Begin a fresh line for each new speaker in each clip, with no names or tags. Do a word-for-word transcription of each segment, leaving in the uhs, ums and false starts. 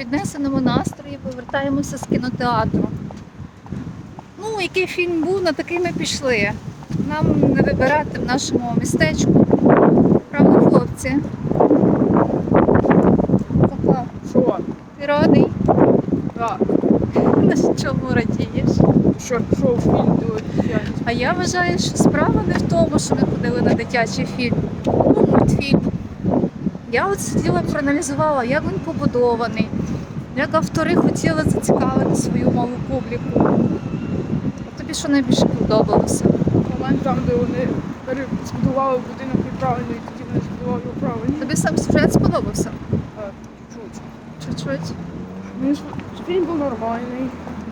піднесеному настрої повертаємося з кінотеатру. Ну, який фільм був, на такий ми пішли. Нам не вибирати в нашому містечку. Правда, хлопці? Захар,
Що?
ти радий?
Так.
На чому радієш?
Що пішов фільм дивитися?
А я вважаю, що справа не в тому, що ми ходили на дитячий фільм. Ну, мультфільм. Я от сиділа, проаналізувала, як він побудований, як автори хотіли зацікавити свою малу публіку. А тобі що найбільше подобалося?
Момент там, де вони збудували будинок неправильно, і тоді вони збудували його правильно.
Тобі сам сюжет сподобався?
Так, чуть.
Чуть-чуть.
Мені ж фільм був нормальний.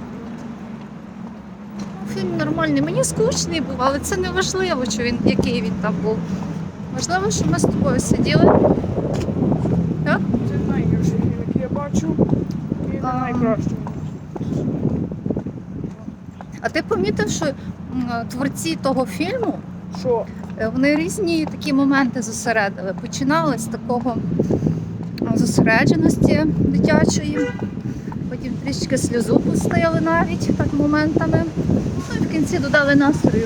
Ну, фільм нормальний. Мені скучний був, але це не важливо, що він, який він там був. Важливо, що ми з тобою сиділи. Так?
Це найгірший фільм, який я бачу. І не
А.
найкращий.
А ти помітив, що м, творці того фільму,
Що?
е, вони різні такі моменти зосередили. Починали з такого м, зосередженості дитячої, потім трішки сльозу пустили навіть так моментами. Ну і в кінці додали настрою.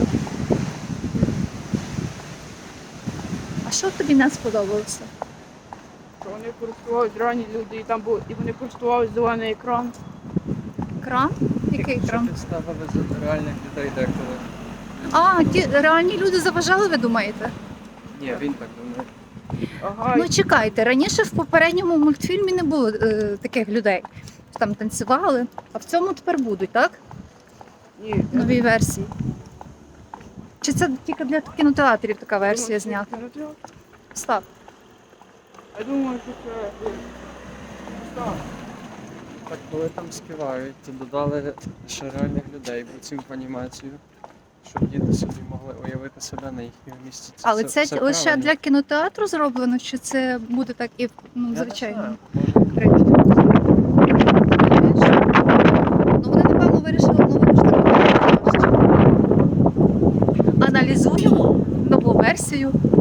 А що тобі не сподобалося?
Що вони користувались ранні люди, і там був, і вони користувались зелений екран.
Екран? Який
Якщо
екран?
підставили за реальних людей деколи.
А, ті реальні люди заважали, ви думаєте?
Ні, він так думає.
Ага,
Ну чекайте, раніше в попередньому мультфільмі не було е, таких людей. Там танцювали, а в цьому тепер будуть, так?
ні.
В новій версії. Чи це тільки для кінотеатрів така версія
Я думаю,
знята?
що кінотеатр.
Став.
Я думаю, що це... е, Так.
Так, коли там співають, то додали ще реальних людей в цю анімацію, щоб діти собі могли уявити себе на їхньому місці.
Але це,
все
лише
правильно.
для кінотеатру зроблено, чи це буде так і в ну,
Я не
звичайно?
знаю, може,
відкрито? Ну вони, напевно, вирішили нову ж таку. Аналізуємо нову версію